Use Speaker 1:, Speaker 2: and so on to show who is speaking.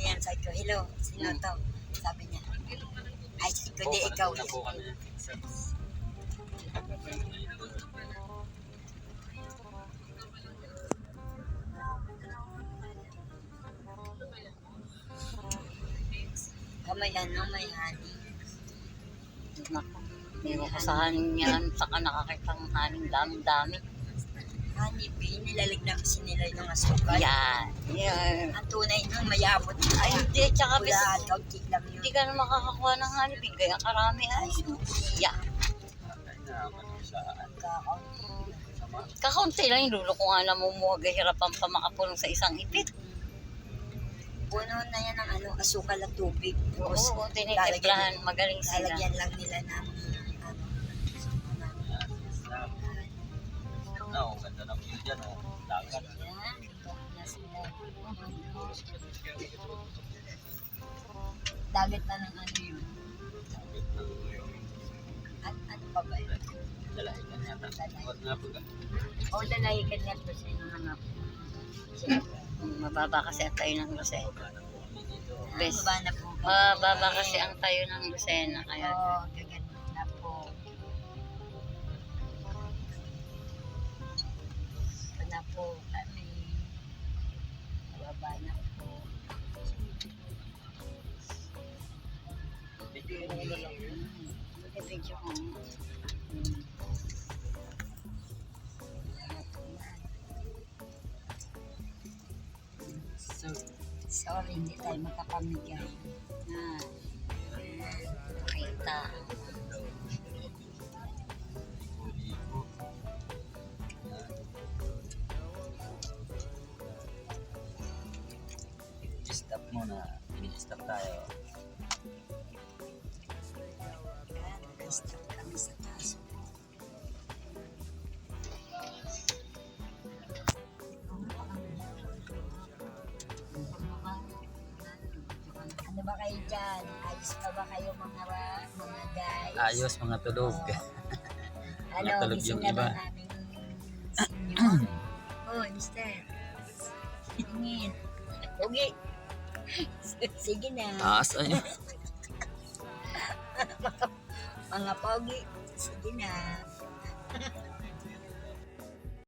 Speaker 1: yan. Sabi ko, hello, sino to? Sabi niya, ay, sabi ko, di ikaw. May ano, may honey.
Speaker 2: Naku, hindi ko sa haning yan. Saka nakakita ng haning dami-dami.
Speaker 1: Honey bee, nilalagyan kasi nila yung asukal.
Speaker 2: Yan. Yan.
Speaker 1: Ang tunay nun, mayabot na.
Speaker 2: Ay, hindi. Tsaka
Speaker 1: Wala, kaunti lang yun.
Speaker 2: hindi ka na makakakuha ng hanipin. Kaya karami ay. Yeah. Kakaunti lang yung lulo ko nga namumuha. Gahirapan pa makapulong sa isang ipit.
Speaker 1: Puno na yan ng ano, asukal at tubig.
Speaker 2: Oo, tinitimplahan. Magaling sila.
Speaker 1: Lalagyan lang nila ng
Speaker 3: Oo, ganda ng view dyan, oh. Dagat.
Speaker 1: yan. Dagat na ng ano yun. At ano pa ba yun?
Speaker 3: Dalahigan yata. Huwag nga po ka.
Speaker 1: O, lalahikan nga po sa inyo mga
Speaker 2: Mababa kasi ang tayo ng Lucena. Best.
Speaker 1: Baba na po.
Speaker 2: Mababa kasi ang tayo ng Lucena. Kaya
Speaker 1: Oo, gaganda na po. Ito na po kami. Baba na po.
Speaker 2: Video ko.
Speaker 1: Sorry, hindi tayo makapamigay.
Speaker 2: Nakita.
Speaker 3: I-stop muna. I-stop tayo.
Speaker 1: Stop kami sa taas. Ano ba kayo dyan? Ayos pa ba kayo mga guys?
Speaker 3: Ayos mga tulog.
Speaker 1: Ano,
Speaker 3: Natulog
Speaker 1: gising
Speaker 3: yung
Speaker 1: na
Speaker 3: iba.
Speaker 1: ba namin senior? Oh, mister. Tingin. Pogi. Sige na.
Speaker 3: Taas ay.
Speaker 1: Mga pogi. Sige na.